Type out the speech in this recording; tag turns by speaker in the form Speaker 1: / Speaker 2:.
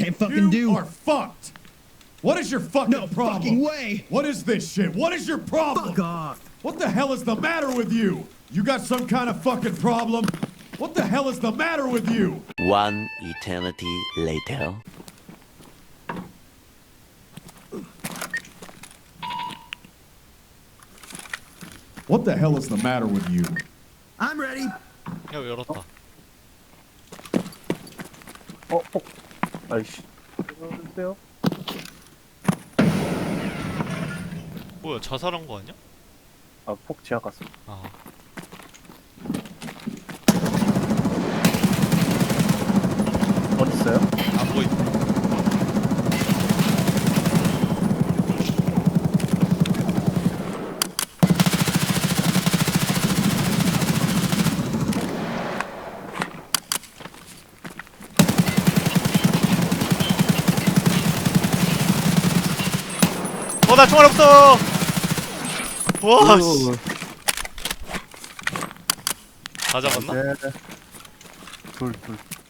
Speaker 1: can't fucking do.
Speaker 2: You are fucked. What is your fucking
Speaker 1: No
Speaker 2: problem?
Speaker 1: fucking way.
Speaker 2: What is this shit? What is your problem?
Speaker 1: Fuck off.
Speaker 2: What the hell is the matter with you? You got some kind of fucking problem? What the hell is the matter with you?
Speaker 3: One eternity later.
Speaker 2: What the hell is the matter with you?
Speaker 1: I'm ready.
Speaker 4: 야 열었다.
Speaker 5: 폭. 아이씨. 이러는데요?
Speaker 4: 뭐야 자살한 거 아니야?
Speaker 5: 아, 폭 지하 갔어.
Speaker 4: 아.
Speaker 5: 어디 있어요?
Speaker 4: 안 보인다. 나 총알 없어. 와 씨. 다 잡았나?
Speaker 5: 네. 둘.